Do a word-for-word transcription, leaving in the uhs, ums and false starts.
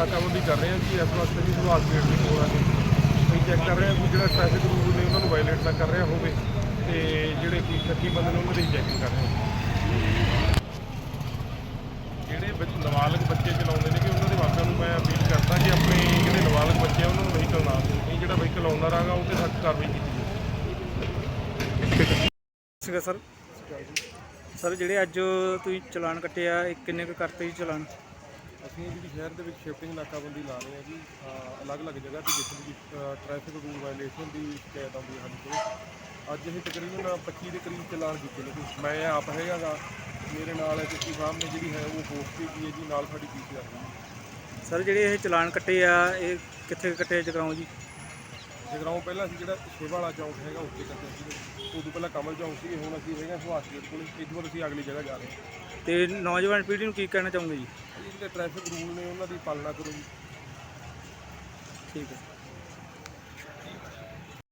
ਨਾਕਾਬੰਦੀ ਕਰ ਰਹੇ ਹਾਂ ਜੀ। ਇਸ ਵਾਸਤੇ ਵੀ ਸੁਭਾਸ਼ ਗੇਟ ਦੇ ਕੋਲ ਆ ਕੇ ਅਸੀਂ ਚੈੱਕ ਕਰ ਰਹੇ ਹਾਂ ਕਿ ਜਿਹੜਾ ਟ੍ਰੈਫਿਕ ਰੂਲ ਨੇ ਉਹਨਾਂ ਨੂੰ ਵਾਇਲੇਟ ਨਾ ਕਰ ਰਿਹਾ ਹੋਵੇ, ਤੇ ਜਿਹੜੇ ਕੋਈ ਸ਼ੱਕੀ ਬੰਦੇ ਨੇ ਉਹਨਾਂ ਦੀ ਚੈਕਿੰਗ ਕਰ ਰਹੇ ਹਾਂ। ਜਿਹੜੇ ਵਿੱਚ ਨਾਬਾਲਗ ਬੱਚੇ ਚਲਾਉਂਦੇ ਨੇ ਕਿ ਉਹਨਾਂ ਦੇ ਮਾਪਿਆਂ ਨੂੰ ਮੈਂ ਅਪੀਲ ਕਰਦਾ ਕਿ ਆਪਣੇ ਜਿਹੜੇ ਨਾਬਾਲਗ ਬੱਚੇ ਆ ਉਹਨਾਂ ਨੂੰ ਵਹੀਕਲ ਨਾ ਦੇਣ, ਨਹੀਂ ਜਿਹੜਾ ਵਹੀਕਲ ਆਉਂਦਾ ਰਹਾਗਾ ਉਹ 'ਤੇ ਸਖਤ ਕਾਰਵਾਈ ਕੀਤੀ ਜਾਵੇ। ਸੀਗਾ ਸਰ ਸਰ ਜਿਹੜੇ ਅੱਜ ਤੁਸੀਂ ਚਲਾਨ ਕੱਟੇ ਆ ਇਹ ਕਿੰਨੇ ਕੁ ਕਰਤੇ ਜੀ ਚਲਾਨ? ਅਸੀਂ ਜਿਹੜੀ ਸ਼ਹਿਰ ਦੇ ਵਿੱਚ ਸ਼ਿਫਟਿੰਗ ਨਾਕਾਬੰਦੀ ਲਾ ਰਹੇ ਹਾਂ ਜੀ, ਅਲੱਗ-ਅਲੱਗ ਜਗ੍ਹਾ 'ਤੇ ਜਿੱਥੇ ਵੀ ਟ੍ਰੈਫਿਕ ਰੂਲ ਵਾਇਲੇਸ਼ਨ ਦੀ ਸ਼ਿਕਾਇਤ ਆਉਂਦੀ ਹੈ ਸਾਡੇ ਕੋਲ। ਅੱਜ ਅਸੀਂ ਤਕਰੀਬਨ ਪੱਚੀ ਦੇ ਕਰੀਬ ਚਲਾਨ ਕੀਤੇ ਨੇ ਜੀ। ਮੈਂ ਆਪ ਹੈਗਾ ਗਾ, ਮੇਰੇ ਨਾਲ ਐਸ ਪੀ ਸਾਹਿਬ ਨੇ ਜਿਹੜੀ ਹੈ ਉਹ ਪੋਸਟ ਕੀਤੀ ਹੈ ਜੀ, ਨਾਲ ਸਾਡੀ ਪੀ ਸੀ ਆਰ ਹੈ। ਸਰ ਜਿਹੜੇ ਇਹ ਚਲਾਨ ਕੱਟੇ ਆ ਇਹ ਕਿੱਥੇ ਕੱਟੇ ਜਗਰਾਉਂ ਜੀ? ਜਗਰਾਉਂ ਪਹਿਲਾਂ ਅਸੀਂ ਜਿਹੜਾ ਸ਼ੇਵਾ ਵਾਲਾ ਚੌਂਕ ਹੈਗਾ ਉੱਥੇ ਕੱਟਿਆ ਸੀ, ਉਦੋਂ ਪਹਿਲਾਂ ਕਮਲ ਚੌਂਕ ਸੀ, ਹੁਣ ਅਸੀਂ ਹੈਗੇ ਸੁਭਾਸ਼ ਗੇਟ ਕੋਲ। ਇਸ ਤੋਂ ਬਾਅਦ ਅਸੀਂ ਅਗਲੀ ਜਗ੍ਹਾ ਜਾ ਰਹੇ ਹਾਂ। ਤੇ ਨੌਜਵਾਨ ਪੀੜ੍ਹੀ ਨੂੰ ਕੀ ਕਹਿਣਾ ਚਾਹੋਗੇ ਜੀ? ਜਿਹੜੇ ਟ੍ਰੈਫਿਕ ਰੂਲ ਨੇ ਉਹਨਾਂ ਦੀ ਪਾਲਣਾ ਕਰੋ ਜੀ। ਠੀਕ ਹੈ।